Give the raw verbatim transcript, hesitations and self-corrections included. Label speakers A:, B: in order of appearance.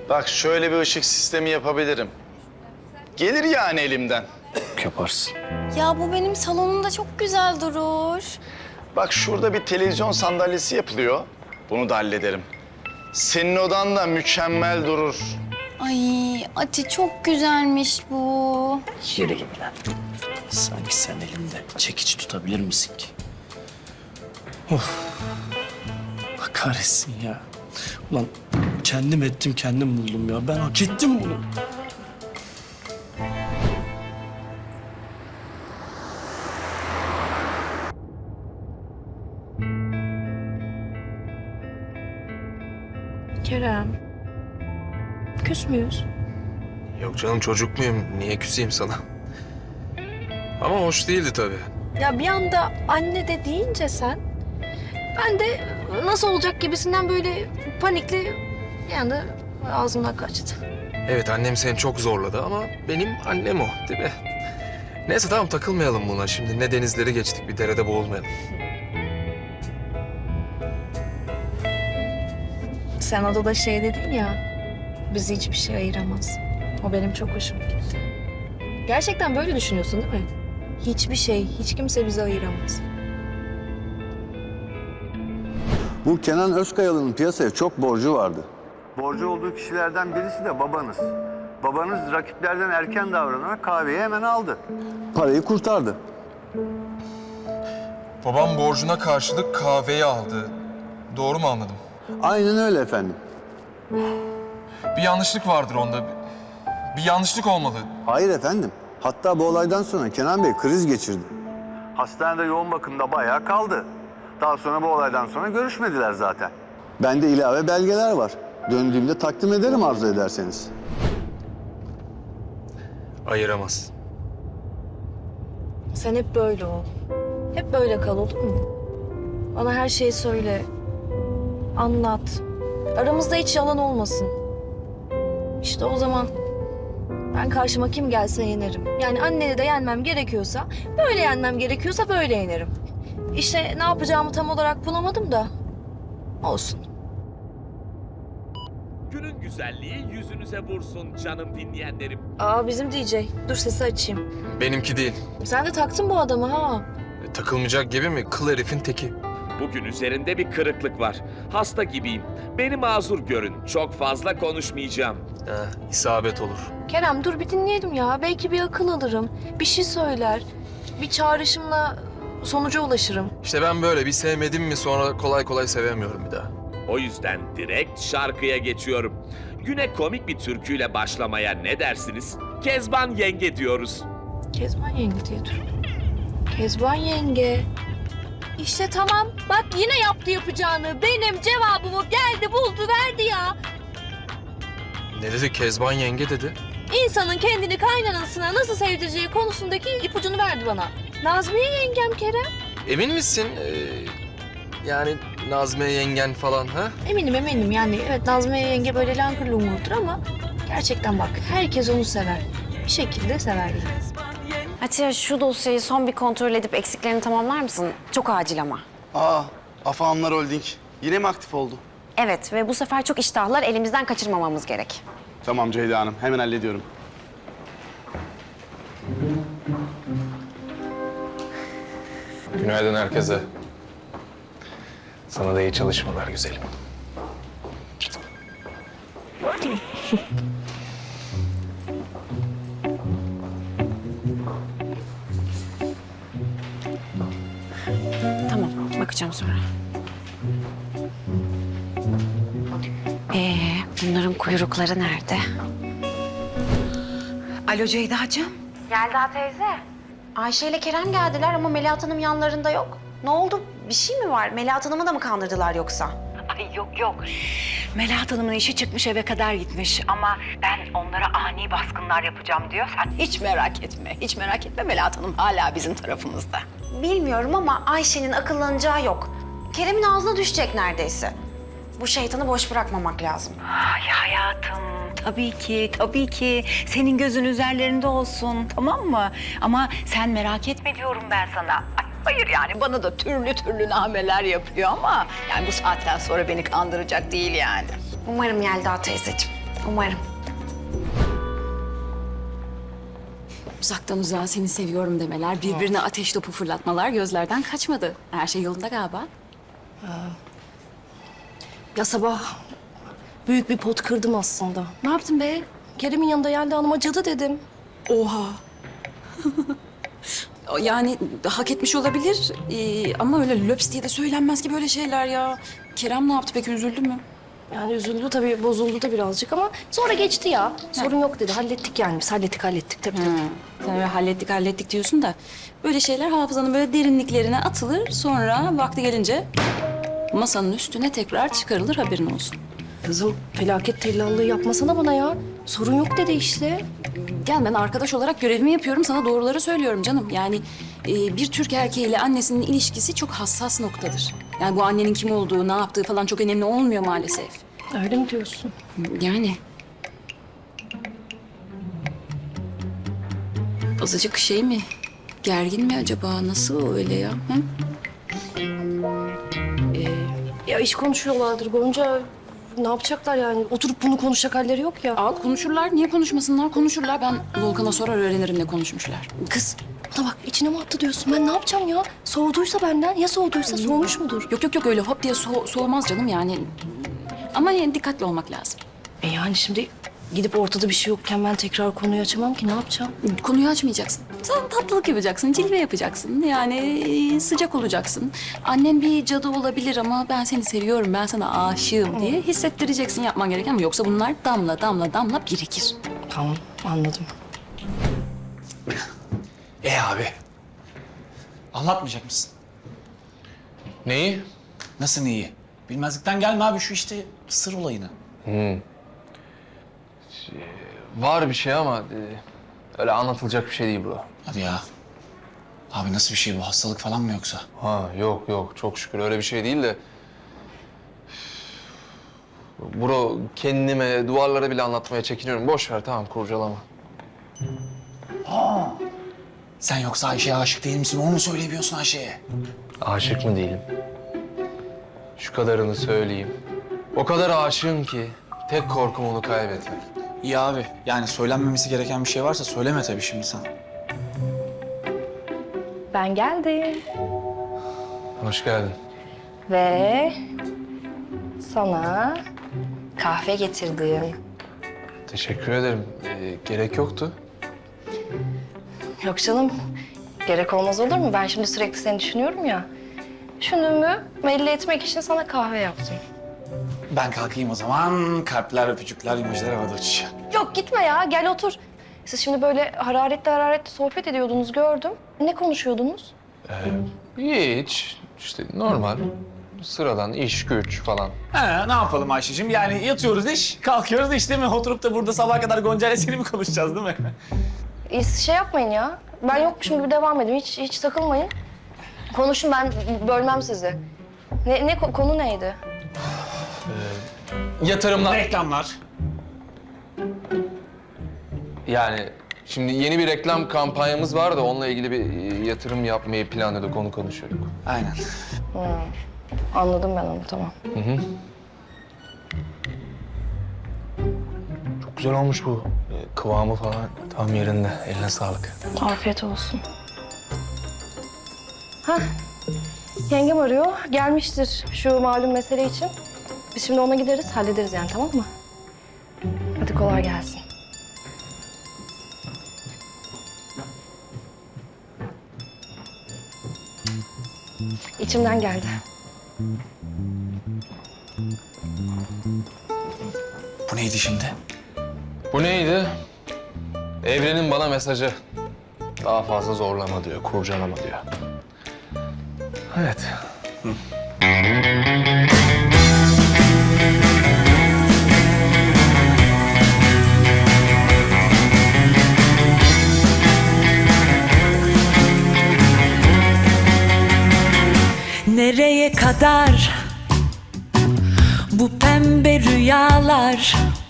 A: Bak şöyle bir ışık sistemi yapabilirim. Gelir yani elimden.
B: Yaparsın.
C: Ya bu benim salonumda çok güzel durur.
A: Bak şurada bir televizyon sandalyesi yapılıyor. Bunu da hallederim. Senin odan da mükemmel durur.
C: Ay Ati çok güzelmiş bu.
B: Yürü git lan. Sanki sen elinde çekiç tutabilir misin ki? Of. Allah kahretsin ya. Ulan kendim ettim, kendim buldum ya. Ben hak ettim bunu.
D: Kerem, küs müyüz?
E: Yok canım, çocuk muyum? Niye küseyim sana? Ama hoş değildi tabii.
D: Ya bir anda anne de deyince sen, ben de nasıl olacak gibisinden böyle panikli bir anda ağzımdan kaçtı.
E: Evet, annem seni çok zorladı ama benim annem o, değil mi? Neyse tamam, takılmayalım buna. Şimdi ne denizleri geçtik, bir derede boğulmayalım.
D: Sen odada şey dedin ya, bizi hiçbir şey ayıramaz. O benim çok hoşuma gitti. Gerçekten böyle düşünüyorsun değil mi? Hiçbir şey, hiç kimse bizi ayıramaz.
F: Bu Kenan Özkayalı'nın piyasaya çok borcu vardı. Borcu olduğu kişilerden birisi de babanız. Babanız rakiplerden erken davranarak kahveyi hemen aldı. Parayı kurtardı.
E: Babam borcuna karşılık kahveyi aldı. Doğru mu anladım?
F: Aynen öyle efendim.
E: Bir yanlışlık vardır onda. Bir yanlışlık olmalı.
F: Hayır efendim. Hatta bu olaydan sonra Kenan Bey kriz geçirdi. Hastanede yoğun bakımda bayağı kaldı. Daha sonra bu olaydan sonra görüşmediler zaten. Bende ilave belgeler var. Döndüğümde takdim ederim arzu ederseniz.
E: Ayıramaz.
D: Sen hep böyle ol. Hep böyle kal, olur mu? Bana her şeyi söyle. Anlat. Aramızda hiç yalan olmasın. İşte o zaman ben karşıma kim gelse yenerim. Yani anneni de yenmem gerekiyorsa, böyle yenmem gerekiyorsa böyle yenerim. İşte ne yapacağımı tam olarak bulamadım da olsun.
G: Günün güzelliği yüzünüze vursun canım dinleyenlerim.
D: Aa bizim D J. Dur sesi açayım.
E: Benimki değil.
D: Sen de taktın bu adamı ha.
E: E, takılmayacak gibi mi? Kıl herifin teki.
G: Bugün üzerinde bir kırıklık var. Hasta gibiyim. Beni mazur görün. Çok fazla konuşmayacağım.
E: Heh, isabet olur.
D: Kerem dur bir dinleyelim ya. Belki bir akıl alırım. Bir şey söyler. Bir çağrışımla sonuca ulaşırım.
E: İşte ben böyle bir sevmedim mi sonra kolay kolay sevemiyorum bir daha.
G: O yüzden direkt şarkıya geçiyorum. Güne komik bir türküyle başlamaya ne dersiniz? Kezban Yenge diyoruz.
D: Kezban yenge diye dur. Kezban yenge. İşte tamam. Bak yine yaptı yapacağını. Benim cevabımı geldi buldu verdi ya.
E: Ne dedi? Kezban yenge dedi.
D: İnsanın kendini kaynanasına nasıl sevdireceği konusundaki ipucunu verdi bana. Nazmiye yengem Kerem.
E: Emin misin? Ee, yani Nazmiye yengen falan ha?
D: Eminim eminim yani evet Nazmiye yenge böyle langır lungurdur ama gerçekten bak herkes onu sever. Bir şekilde sever yani.
H: Atiye şu dosyayı son bir kontrol edip eksiklerini tamamlar mısın? Çok acil ama.
I: Aa, Afahanlar Holding. Yine mi aktif oldu?
H: Evet ve bu sefer çok iştahlar elimizden kaçırmamamız gerek.
I: Tamam Ceyda Hanım, hemen hallediyorum.
E: Günaydın herkese. Sana da iyi çalışmalar güzelim.
H: Tamam, bakacağım sonra. Ee, bunların kuyrukları nerede?
J: Alo Ceyda'cığım.
H: Yelda teyze. Ayşe ile Kerem geldiler ama Melahat Hanım yanlarında yok. Ne oldu? Bir şey mi var? Melahat Hanım'ı da mı kandırdılar yoksa?
J: Ay yok yok. Melahat Hanım'ın işi çıkmış eve kadar gitmiş ama ben onlara ani baskınlar yapacağım diyor. Sen hiç merak etme, hiç merak etme Melahat Hanım hala bizim tarafımızda.
H: Bilmiyorum ama Ayşe'nin akıllanacağı yok. Kerem'in ağzına düşecek neredeyse. Bu şeytanı boş bırakmamak lazım.
J: Ay hayatım tabii ki, tabii ki. Senin gözün üzerlerinde olsun tamam mı? Ama sen merak etme diyorum ben sana. Ay, hayır yani bana da türlü türlü nameler yapıyor ama... ...yani bu saatten sonra beni kandıracak değil yani.
H: Umarım Yelda teyzeciğim. Umarım.
K: Uzaktan uzağa seni seviyorum demeler, birbirine ateş topu fırlatmalar gözlerden kaçmadı. Her şey yolunda galiba.
D: Ya sabah büyük bir pot kırdım aslında.
K: Ne yaptın be?
D: Kerem'in yanında Yelda Hanım'a cadı dedim.
K: Oha. Yani hak etmiş olabilir ee, ama öyle löps diye de söylenmez ki böyle şeyler ya. Kerem ne yaptı peki, üzüldü mü?
D: Yani üzüldü tabii, bozuldu da birazcık ama sonra geçti ya. Sorun yok dedi. Hallettik yani biz. Hallettik, hallettik tabii tabii.
K: Sen öyle hallettik hallettik diyorsun da böyle şeyler hafızanın böyle derinliklerine atılır, sonra vakti gelince masanın üstüne tekrar çıkarılır, haberin olsun.
D: Kızım felaket tellallığı yapmasana bana ya. Sorun yok dedi işte.
K: Gel, ben arkadaş olarak görevimi yapıyorum, sana doğruları söylüyorum canım. Yani e, bir Türk erkeğiyle annesinin ilişkisi çok hassas noktadır. Yani bu annenin kim olduğu, ne yaptığı falan çok önemli olmuyor maalesef.
D: Öyle mi diyorsun?
K: Yani. Azıcık şey mi? Gergin mi acaba? Nasıl öyle ya? Hı?
D: Ya iş konuşuyorlardır Gonca. Ne yapacaklar yani? Oturup bunu konuşacak halleri yok ya.
K: Aa, konuşurlar. Niye konuşmasınlar? Konuşurlar. Ben Volkan'a sorar öğrenirim ne konuşmuşlar.
D: Kız bana bak, içine mi attı diyorsun? Ben ne yapacağım ya? Soğuduysa benden, ya soğuduysa soğumuş mudur?
K: Yok yok yok, öyle hop diye so- soğumaz canım yani. Ama yani dikkatli olmak lazım.
D: E yani şimdi gidip ortada bir şey yokken ben tekrar konuyu açamam ki, ne yapacağım?
K: Konuyu açmayacaksın. Sen tatlılık yapacaksın, cilve yapacaksın. Yani e, sıcak olacaksın. Annen bir cadı olabilir ama ben seni seviyorum, ben sana aşığım diye hissettireceksin, yapman gereken. Ama yoksa bunlar damla damla damla birikir.
D: Tamam, anladım.
I: E abi. Anlatmayacak mısın?
E: Neyi?
I: Nasıl neyi? Bilmezlikten gelme abi, şu işte sır olayını.
E: Var bir şey ama e, öyle anlatılacak bir şey değil bro.
I: Hadi ya. Abi nasıl bir şey bu? Hastalık falan mı yoksa?
E: Ha yok yok, çok şükür öyle bir şey değil de. Bro, kendime, duvarlara bile anlatmaya çekiniyorum. Boş ver, tamam, kurcalama.
I: Sen yoksa Ayşe'ye aşık değil misin? Onu mu söyleyemiyorsun Ayşe'ye?
E: Aşık mı değilim? Şu kadarını söyleyeyim. O kadar aşığım ki tek korkum onu kaybetmek.
I: İyi abi. Yani söylenmemesi gereken bir şey varsa söyleme tabii şimdi sen.
D: Ben geldim.
E: Hoş geldin.
D: Ve sana kahve getirdim.
E: Teşekkür ederim. Ee, gerek yoktu.
D: Yok canım, gerek olmaz olur mu? Ben şimdi sürekli seni düşünüyorum ya. Düşündüğümü belli etmek için sana kahve yaptım.
I: Ben kalkayım o zaman. Kalpler, öpücükler, emojiler havada uçuşuyor.
D: Yok gitme ya, gel otur. Siz şimdi böyle hararetli hararetli sohbet ediyordunuz, gördüm. Ne konuşuyordunuz?
E: Hiç. İşte normal. Sıradan iş, güç falan.
I: He, ne yapalım Ayşe'cim? Yani yatıyoruz iş, kalkıyoruz iş değil mi? Oturup da burada sabaha kadar Gonca ile seni mi konuşacağız değil mi?
D: Ee, siz şey yapmayın ya. Ben yokmuşum gibi devam edin. Hiç hiç takılmayın. Konuşun, ben bölmem sizi. Ne, ne ko- konu neydi?
E: Yatırımlar.
I: Reklamlar.
E: Yani şimdi yeni bir reklam kampanyamız var da onunla ilgili bir e, yatırım yapmayı planlıyorduk, onu konuşuyorduk.
I: Aynen.
D: Anladım ben onu, tamam.
E: Hı hı. Çok güzel olmuş bu. E, kıvamı falan tam yerinde. Eline sağlık.
D: Afiyet olsun. Hah, yengem arıyor. Gelmiştir şu malum mesele için. Biz şimdi ona gideriz, hallederiz yani, tamam mı? Hadi kolay gelsin. İçimden geldi.
I: Bu neydi şimdi?
E: Bu neydi? Evrenin bana mesajı. Daha fazla zorlama diyor, kurcalama diyor. Evet.
J: Nereye kadar bu pembe rüyalar?